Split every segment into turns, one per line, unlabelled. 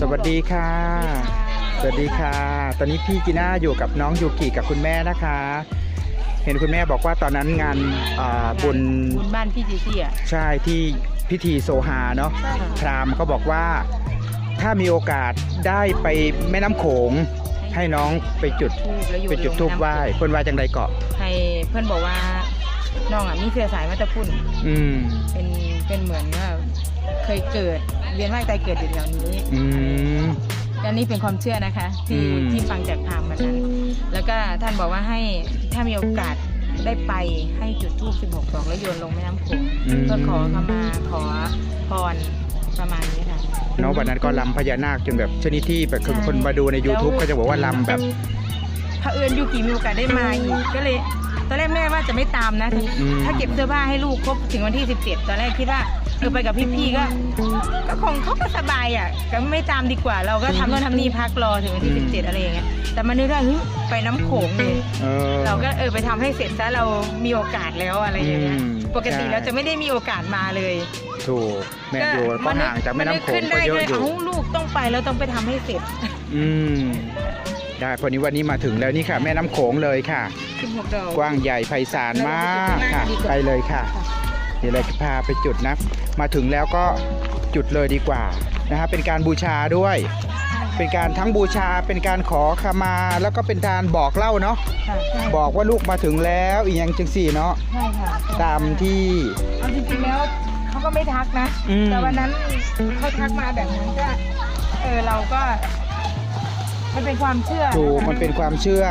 สวัสดีค่ะสวัสดีค่ะตอนนี้พี่จีน่าอยู่กับน้องยูกิกับคุณแม่นะคะเห็นคุณแม่บอกว่าตอนนั้นงานบุญ
บ้านพี่จีซี่อ่ะ
ใช่ที่พิธีโซฮาเนาะพราหมณ์เขาบอกว่าถ้ามีโอกาสได้ไปแม่น้ำโขงให้น้องไปจุดธูปไหว้เพื่อนว่าจังใดเกาะ
ให้เพื่อนบอกว่าน้องอ่ะมีเสื้อสายมาตะพุ่นเป็นเหมือนว่าเคยเกิดเวียนว่ายตายเกิดอยู่แถวนี้อันนี้เป็นความเชื่อนะคะที่ฟังจากพราหมณ์มานั้นแล้วก็ท่านบอกว่าให้ถ้ามีโอกาสได้ไปให้จุดธูป16 ดอกแล้วโยนลงแม่น้ำโขงเพื่อขอขมาขอพรประมาณนี้ค่ะ
น้องวันนั้นก็ลำพญานาคจนแบบชนิดที่แบบคนมาดูใน YouTube ก็จะบอกว่าลำแบบ
เผอิญยูกิมีโอกาสได้มาอีกก็เลยตอนแรกแม่ว่าจะไม่ตามนะถ้าเก็บเสื้อผ้าให้ลูกครบถึงวันที่17ตอนแรกคิดว่าไปกับพี่ๆก็คงเขาก็สบายอ่ะก็ไม่ตามดีกว่าเราก็ทำโน่นทำนี่พักรอถึงวันที่17อะไรอย่างเงี้ยแต่มานึกได้ไปน้ำโขงเลยเราก็ไปทำให้เสร็จซะเรามีโอกาสแล้วอะไรอย่างเงี้ยปกติเราจะไม่ได้มีโอกาสมาเลย
ถูกแม่ดูก็ห่างจากแม่น้ำโขงก็เยอะอยู่
ลูกต้องไปแล้วต้องไปทำให้เสร็จ
ได้พอนี้วันนี้มาถึงแล้วนี่ค่ะแม่น้ำโขงเลยค่ะ
16 ดอก
กว้างใหญ่ไพศาลมากค่ะไปเลยค่ะเดี๋ยวเราจะพาไปจุดนะมาถึงแล้วก็จุดเลยดีกว่านะฮะเป็นการบูชาด้วยเป็นการทั้งบูชาเป็นการขอขมาแล้วก็เป็นการบอกเล่าเนาะบอกว่าลูกมาถึงแล้วอีกอย่างจังสี่เนาะ
ใช่ค่ะ
ตามที่
เอาจริงๆแล้วเขาก็ไม่ทักนะแต่วันนั้นเขาทักมาแบบนั้นก็เราก็มันเป็นความเชื่อ
ถูกมันเป็นความเชื่อ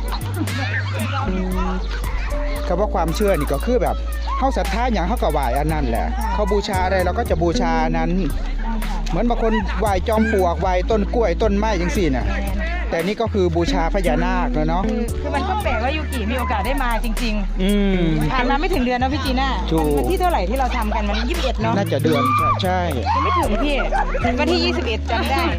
คำว่าความเชื่อนี่ก็คือแบบเขาศรัทธาอย่างเขาก็ไหว้อันนั้นแหละเขาบูชาอะไรเราก็จะบูชานั้นเหมือนบางคนไหว้จอมปลวกไหว้ต้นกล้วยต้นไม้อย่างสี่น่ะแต่นี่ก็คือบูชาพญานาคเนาะ
คือมันก็แปลกว่ายูกิมีโอกาสได้มาจริงๆผ่านมาไม่ถึงเดือนนะพี่จีน่าวันที่เท่าไหร่ที่เราทำกันมัน21เนาะ
น่าจะเดือนใช่
ไม่ถึงพี่วันที่21จำได้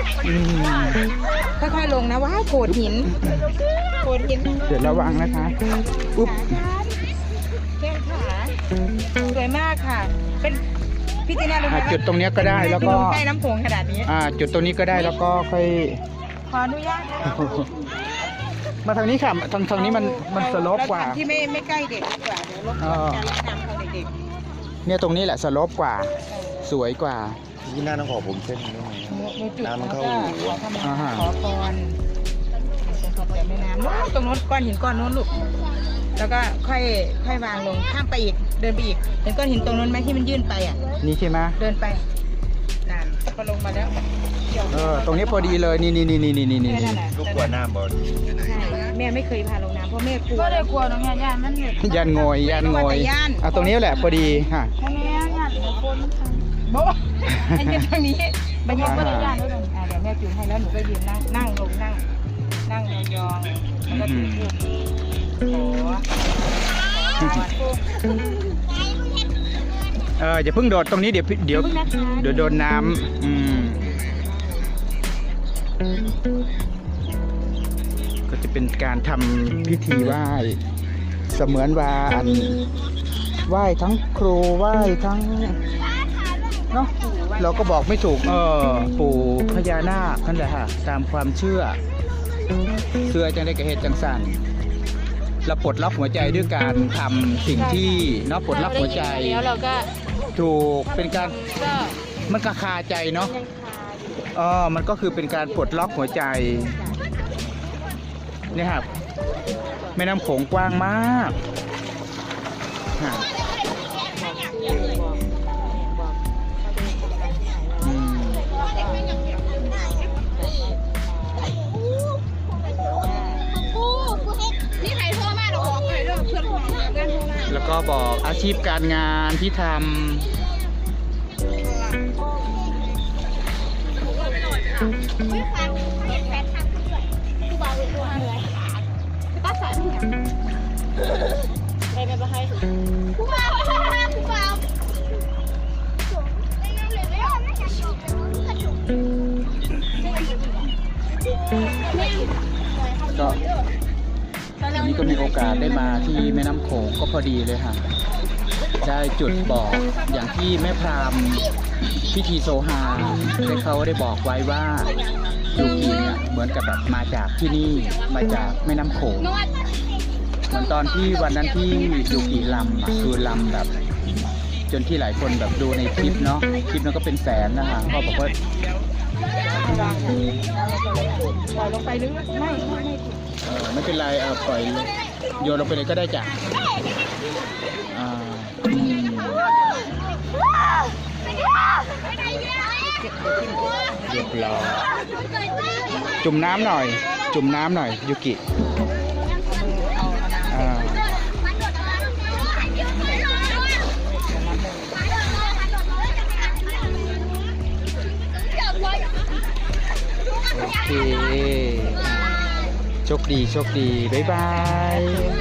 ค่อยๆลงนะว้าวโขดหิน
เดี๋ยวระวังนะคะอุ๊บ
แก้มขาสวยมากค่ะเป็นพี่จีน่ารู้ไหม
จุดตรงนี้ก็ได้แล้วก็
ใกล้น้ำโขงขนาดนี้
จุดตรงนี้ก็ได้แล้วก็ค่อย
ขออนุญาต
มาทางนี้ค่ะทางนี้มันสโลปกว่า
ที่ไม่ใกล้เด็กกว่าเดี๋ยวลดการแนะนำของเด็ก
เนี่ยตรงนี้แหละสโลปกว่าสวยกว่า
ที่หน้าต้องขอผมเส้นนึงน้ำมันเข้า
ขอพรแต่แม่น้ำตรงโน้นก้อนหินก้อนโน้นลูกแล้วก็ค่อยวางลงข้ามไปอีกเดินไปอีกเห็นก้อนหินตรงนั้นไหมที่มันยื่นไปอ่ะ
นี่ใช่ไหม
เดินไปนั่นพอลงมาแล้ว
ตรงนี้พอดีเลยนี่
ลูกกลัวน้ำบอล
ใช่แม่ไม่เคยพาลงน้ำเพราะแม่กลัวก็เลยกลัวตรงนี้ย่านมัน
ยันงอยตรงนี้แหละพอดีค่ะ
แม่ย่านคนโบ๊ะอันนี้ตรงนี้บรรยากาศย่านแล้วตรงเดี๋ยวแม่จูงให้แล้วหนูก็ยืนนั่งลงนั่งยองๆแล้วก็ถือทูบ
อย่าเพิ่งโดดตรงนี้เดี๋ยวโดนน้ำก็จะเป็นการทำพิธีไหว้เสมือนว่าไหว้ทั้งครูไหว้ทั้งเนาะเราก็บอกไม่ถูกปู่พญานาคนั่นแหละค่ะตามความเชื่อจังได้กระเหตุจังสั่นเราปลดล็อกหัวใจด้วยการทำสิ่งที่เนาะปลดล็อกหัวใจ
แล้วเราก็
ถูกเป็นการมันคาใจเนาะมันก็คือเป็นการปลดล็อกหัวใจนี่ครับแม่น้ำโขงกว้างมากแล้วก็บอกอาชีพการงานที่ทำก็วันนี้ก็มีโอกาสได้มาที่แม่น้ำโขงก็พอดีเลยค่ะได้จุดบอกอย่างที่แม่พราหมณ์พิธีโซฮาได้เขาได้บอกไว้ว่ายูกิเนี่ยเหมือนกับแบบมาจากที่นี่มาจากแม่น้ำโขงเหมือนตอนที่วันนั้นที่ยูกิลำอะคือลำแบบ จนที่หลายคนแบบดูในคลิปเนาะคลิปนั้นก็เป็นแสนนะคะก็บอกว่า
ปล่อยลงไปหรือไม่
ไม่เป็นไรปล่อยโยนลงไปเลยก็ได้จ้ะเรียบร้อยจุ่มน้ำหน่อย จุ่มน้ำหน่อยยูกิโอเคโชคดีโชคดีบ๊ายบาย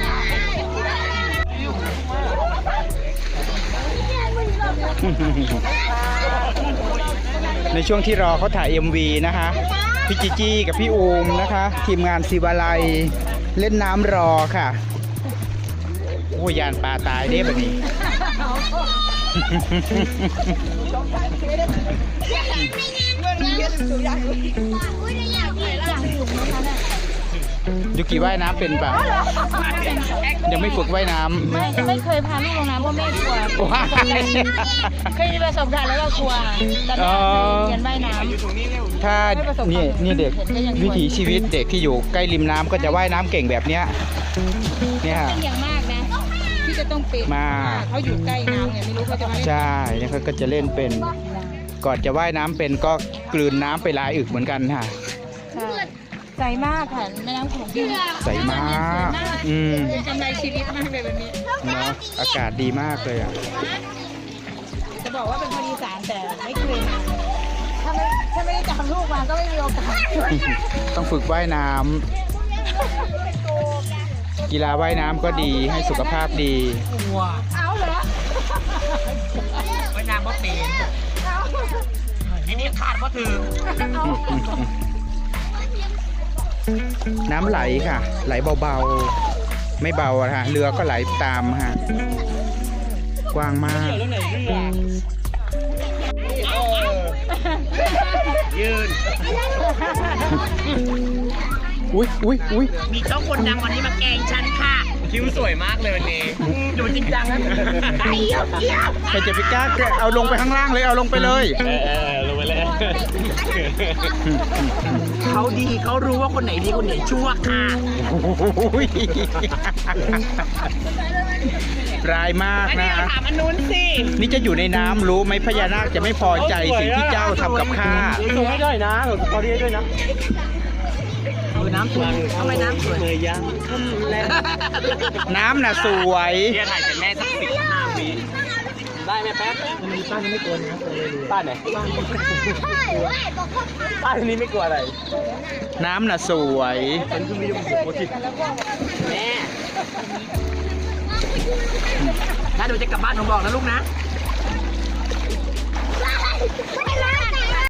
ในช่วงที่รอเขาถ่าย MV นะคะพี่จิจี้กับพี่อูมนะคะทีมงานศิวาลัยเล่นน้ำรอค่ะโอ้ยานปลาตายเด้แบบนี้ ยูกิว่ายน้ำเป็นป่ะยังไม่ฝึกว่ายน้ำ
ไม่เคยพาลูกลงน้ำเพราะแม่กลัวเคยมีประสบการณ์แล้วก็กลัวแต่แม่เรียนว่ายน้ำ
ถ้านี่เด็กวิถีชีวิตเด็กที่อยู่ใกล้ริมน้ำก็จะว่ายน้ำเก่งแบบเนี้ยเนี่ย
เป็นอย่างมากนะที่จะต้องเป็นมาเขาอยู่ใกล้น้ำเนี่ยไม่รู้เขาจะมาเล่น
ใช่เนี่ยเขาก็จะเล่นเป็นก่อนจะว่ายน้ำเป็นก็กลืนน้ำไปหลายอึกเหมือนกันค่ะ
ใสมากค่ะแม่น้ำโขง
ใสมาก
เป็นกำไรชีวิตมากเลยแบบนี้
เนาะอากาศดีมากเลยอ่ะ
จะบอกว่าเป็นคนอีสานแต่ไม่เคยมาถ้าไม่ได้จับลูกมาก็ไม่มีโอกาส
ต้องฝึกว่ายน้ำกีฬาว่ายน้ำก็ดีให้สุขภาพดี
เอาเหรอ
ว่ายน้ำบ่เป็นนี่ขาดบ่ถึง
น้ำไหลค่ะไหลเบาๆไม่เบาอะค่ะเรือก็ไหลตามค่ะกว้างมาก
ยืน
อุ้ย
มีเจ้าคนดังวันนี้มาแกล้งฉันค่ะคิ้วสวยมากเลยวันนี้ดูจริงจังนะ
ใครจะไปกล้าเอาลงไปข้างล่างเลยเอาลงไปเลย
ลงไปเลยเขาดีเขารู้ว่าคนไหนดีคนไหนชั่วค่ะ
ร้ายมากนะ
ถามอันนู้นสิ
นี่จะอยู่ในน้ำรู้ไหมพญานาคจะไม่พอใจสิ่งที่เจ้าทำกับข้า
ส่งให้ด้วยนะเขาดีด้วยนะน้ำสวยทำไมน้ำสวยเลยยัง
น้ำน่ะสวย
เดี๋ยวถ่ายเป็นแม่สัก15 วิได้ไหมแป๊บป้าจะไม่กลัวนะป้าไหนป้าทีนี้ไม่กลัวอะไร
น้ำน่ะสวย
แม่ถ้าหนูจะกลับบ้านหนูบอกนะลูกนะ